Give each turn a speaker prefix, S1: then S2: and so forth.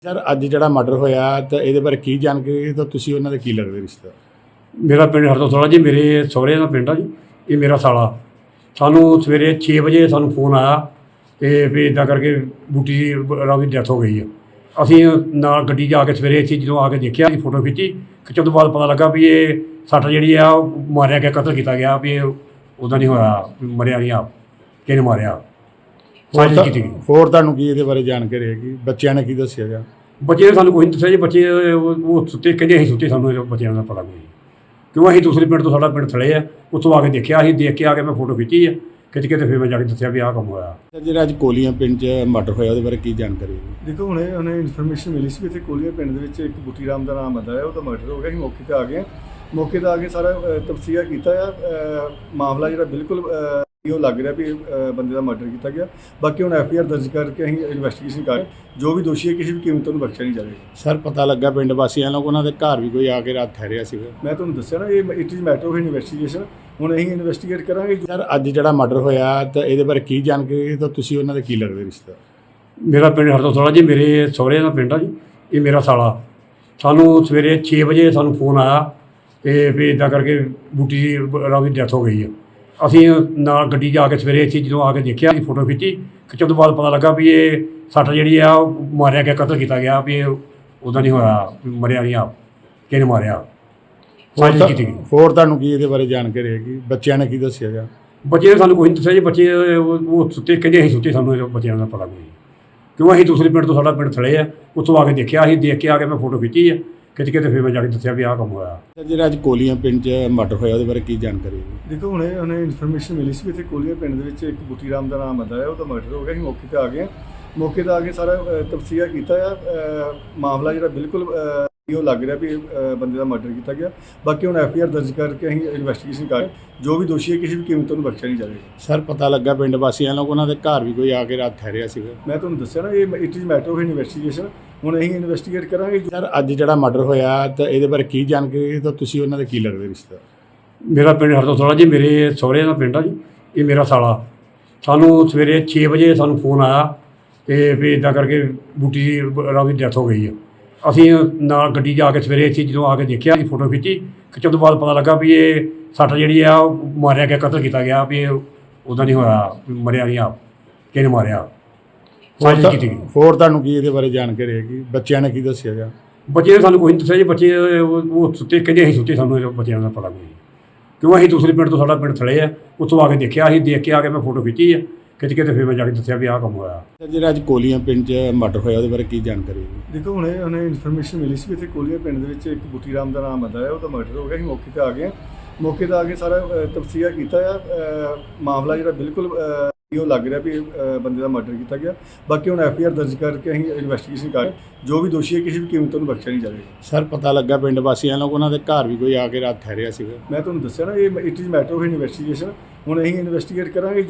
S1: Sir अज जो murder होया तो ये बारे की जानकारी तो तुसी उन्होंने की लगते रिश्तेदार?
S2: मेरा पिंड हरदोसला जी, मेरे सहुरे का पिंड आ जी। ये मेरा साला सानू सवेरे 6 वजे सानू फोन आया तो भी इदा करके बूटी राव की डैथ हो गई है। असी नाल गड्डी जाके सवेरे इत्थे जो आके देखा, फोटो खिच्ची, खिच्चण तो बाद पता लगा भी ये सट जी मारिया गया, कतल किया गया, भी उदा नहीं होया, मरिया नहीं आप किहने मारिया, साजिश की गई।
S1: होर तुहानू की इहदे बारे जानकारी हैगी? बच्चों ने की दस्सिया जा?
S2: बच्चे ने सानू कुछ नहीं दस्सिया जी। बच्चे वो सुते, कहते असीं सुते, सानू बच्चों का पता कोई नहीं, क्यों असीं दूसरे पिंड तो साडा पिंड थले है, उत्थों आके देखा, असीं देख के आके मैं फोटो खिच्ची है, खिच्च के तो फिर मैं जाके दस्सिया भी आह काम होया।
S1: जो अज कोलियां पिंड च मर्डर होया उहदे बारे की जानकारी हैगी?
S3: देखो हुणे उन्हें इन्फॉर्मेशन मिली सी भी इत्थे कोलिया पिंड दे विच एक बूटी राम दा नाम आंदा है, ਉਹਦਾ मर्डर हो गया। ਅਸੀਂ मौके ते आ गए, मौके ते आके सारा तफसीया कीता है। मामला ਜਿਹੜਾ ਬਿਲਕੁਲ ਇਹ ਲੱਗ ਰਿਹਾ ਵੀ ਬੰਦੇ ਦਾ ਮਰਡਰ ਕੀਤਾ ਗਿਆ। ਬਾਕੀ ਹੁਣ ਐਫਆਈਆਰ ਦਰਜ ਕਰਕੇ ਅਸੀਂ ਇਨਵੈਸਟੀਗੇਸ਼ਨ ਕਰ ਜੋ ਵੀ ਦੋਸ਼ੀ ਹੈ ਕਿਸੇ ਵੀ ਕੀਮਤ ਨੂੰ ਬਖਸ਼ਿਆ ਨਹੀਂ ਜਾਵੇਗਾ।
S1: ਸਰ ਪਤਾ ਲੱਗਾ ਪਿੰਡ ਵਾਸੀਆਂ ਨੂੰ ਉਹਨਾਂ ਦੇ ਘਰ ਵੀ ਕੋਈ ਆ ਕੇ ਰਾਤ ਠਹਿਰਿਆ ਸੀਗਾ?
S3: ਮੈਂ ਤੁਹਾਨੂੰ ਦੱਸਿਆ ਨਾ, ਇਹ it is matter of investigation. ਹੁਣ ਅਸੀਂ ਇਨਵੈਸਟੀਗੇਟ ਕਰਾਂਗੇ।
S1: ਸਰ ਅੱਜ ਜਿਹੜਾ ਮਰਡਰ ਹੋਇਆ ਤਾਂ ਇਹਦੇ ਬਾਰੇ ਕੀ ਜਾਣਕਾਰੀ ਤਾਂ ਤੁਸੀਂ ਉਹਨਾਂ ਦੇ ਕੀ ਲੱਗਦੇ ਰਿਸ਼तेदार?
S2: मेरा पिंड हरदोसला जी, मेरे सहुरे का पिंड आ जी। ये मेरा साला सानू सवेरे 6 वजे सानू फोन आया तो भी इदा करके बूटी राव की डैथ हो गई है। असी नाल गड्डी जाके सवेरे इत्थे जो आके देखा, फोटो खिच्ची, खिच्चण तो बाद पता लगा भी ये सट जी मारिया गया, कतल किया गया, भी उदा नहीं होया, मरिया नहीं आप किहने मारिया, साजिश की गई।
S1: होर तुहानू की इहदे बारे जानकारी हैगी? बच्चों ने की दस्सिया जा?
S2: बच्चे ने सानू कुछ नहीं दस्सिया जी। बच्चे वो सुते, कहते असीं सुते, सानू बच्चों का पता कोई नहीं, क्यों असीं दूसरे पिंड तो साडा पिंड थले है, उत्थों आके देखा, असीं देख के आके मैं फोटो खिच्ची है, खिच्च के तो फिर मैं जाके दस्सिया भी आह काम होया।
S1: जो अज कोलियां पिंड च मर्डर होया उहदे बारे की जानकारी हैगी?
S3: ਦੇਖੋ ਹੁਣੇ ਇਨਫੋਰਮੇਸ਼ਨ ਮਿਲੀ ਸੀ ਵੀ ਇੱਥੇ ਕੋਲੀਆ ਪਿੰਡ ਦੇ ਵਿੱਚ ਇੱਕ ਬੂਟੀ ਰਾਮ ਦਾ ਨਾਮ ਆਂਦਾ ਹੈ, ਉਹਦਾ ਮਰਡਰ ਹੋ ਗਿਆ। ਅਸੀਂ ਮੌਕੇ ਤੇ ਆ ਗਏ, ਮੌਕੇ ਤੇ ਆ ਕੇ ਸਾਰਾ ਤਫਸੀਆ ਕੀਤਾ ਹੈ। ਮਾਮਲਾ ਜਿਹੜਾ ਬਿਲਕੁਲ ਇਹ ਲੱਗ ਰਿਹਾ ਵੀ ਬੰਦੇ ਦਾ ਮਰਡਰ ਕੀਤਾ ਗਿਆ। ਬਾਕੀ ਹੁਣ ਐਫਆਈਆਰ ਦਰਜ ਕਰਕੇ ਅਸੀਂ ਇਨਵੈਸਟੀਗੇਸ਼ਨ ਕਰ ਜੋ ਵੀ ਦੋਸ਼ੀ ਹੈ ਕਿਸੇ ਵੀ ਕੀਮਤ ਨੂੰ ਬਖਸ਼ਿਆ ਨਹੀਂ ਜਾਵੇਗਾ।
S1: ਸਰ ਪਤਾ ਲੱਗਾ ਪਿੰਡ ਵਾਸੀਆਂ ਨੂੰ ਉਹਨਾਂ ਦੇ ਘਰ ਵੀ ਕੋਈ ਆ ਕੇ ਰਾਤ ਠਹਿਰਿਆ ਸੀਗਾ?
S3: ਮੈਂ ਤੁਹਾਨੂੰ ਦੱਸਿਆ ਨਾ, ਇਹ it is matter of investigation. ਹੁਣ ਅਸੀਂ ਇਨਵੈਸਟੀਗੇਟ ਕਰਾਂਗੇ।
S1: ਸਰ ਅੱਜ ਜਿਹੜਾ ਮਰਡਰ ਹੋਇਆ ਤਾਂ ਇਹਦੇ ਬਾਰੇ ਕੀ ਜਾਣਕਾਰੀ ਤਾਂ ਤੁਸੀਂ ਉਹਨਾਂ ਦੇ ਕੀ ਲੱਗਦੇ ਰਿਸ਼तेदार?
S2: मेरा पिंड हरदोसला जी, मेरे सहुरे का पिंड आ जी। ये मेरा साला सानू सवेरे 6 वजे सानू फोन आया तो भी इदा करके बूटी राव की डैथ हो गई है। असी नाल गड्डी जाके सवेरे इत्थे जो आके देखा, फोटो खिच्ची, खिच्चण तो बाद पता लगा भी ये सट जी मारिया गया, कतल किया गया, भी उदा नहीं होया, मरिया नहीं आप किहने मारिया, साजिश की गई।
S1: होर तुहानू की इहदे बारे जानकारी हैगी? बच्चों ने की दस्सिया जा?
S2: बच्चे ने सानू कुछ नहीं दस्सिया जी। बच्चे वो सुते, कहते असीं सुते, सानू बच्चों का पता कोई नहीं, क्यों असीं दूसरे पिंड तो साडा पिंड थले है, उत्थों आके देखा, असीं देख के आके मैं फोटो खिच्ची है, खिच्च के तो फिर मैं जाके दस्सिया भी आह काम होया।
S1: जो अज कोलियां पिंड च मर्डर होया उहदे बारे की जानकारी हैगी?
S3: ਦੇਖੋ ਹੁਣੇ ਇਨਫੋਰਮੇਸ਼ਨ ਮਿਲੀ ਸੀ ਵੀ ਇੱਥੇ ਕੋਲੀਆ ਪਿੰਡ ਦੇ ਵਿੱਚ ਇੱਕ ਬੂਟੀ ਰਾਮ ਦਾ ਨਾਮ ਆਂਦਾ ਹੈ, ਉਹਦਾ ਮਰਡਰ ਹੋ ਗਿਆ। ਅਸੀਂ ਮੌਕੇ ਤੇ ਆ ਗਏ, ਮੌਕੇ ਤੇ ਆ ਕੇ ਸਾਰਾ ਤਫਸੀਆ ਕੀਤਾ ਹੈ। ਮਾਮਲਾ ਜਿਹੜਾ ਬਿਲਕੁਲ ਇਹ ਲੱਗ ਰਿਹਾ ਵੀ ਬੰਦੇ ਦਾ ਮਰਡਰ ਕੀਤਾ ਗਿਆ। ਬਾਕੀ ਹੁਣ ਐਫਆਈਆਰ ਦਰਜ ਕਰਕੇ ਅਸੀਂ ਇਨਵੈਸਟੀਗੇਸ਼ਨ ਕਰ ਜੋ ਵੀ ਦੋਸ਼ੀ ਹੈ ਕਿਸੇ ਵੀ ਕੀਮਤ ਨੂੰ ਬਖਸ਼ਿਆ ਨਹੀਂ ਜਾਵੇਗਾ।
S1: ਸਰ ਪਤਾ ਲੱਗਾ ਪਿੰਡ ਵਾਸੀਆਂ ਨੂੰ ਉਹਨਾਂ ਦੇ ਘਰ ਵੀ ਕੋਈ ਆ ਕੇ ਰਾਤ ਠਹਿਰਿਆ ਸੀਗਾ?
S3: ਮੈਂ ਤੁਹਾਨੂੰ ਦੱਸਿਆ ਨਾ, ਇਹ it is matter of investigation. ਹੁਣ ਅਸੀਂ ਇਨਵੈਸਟੀਗੇਟ ਕਰਾਂਗੇ।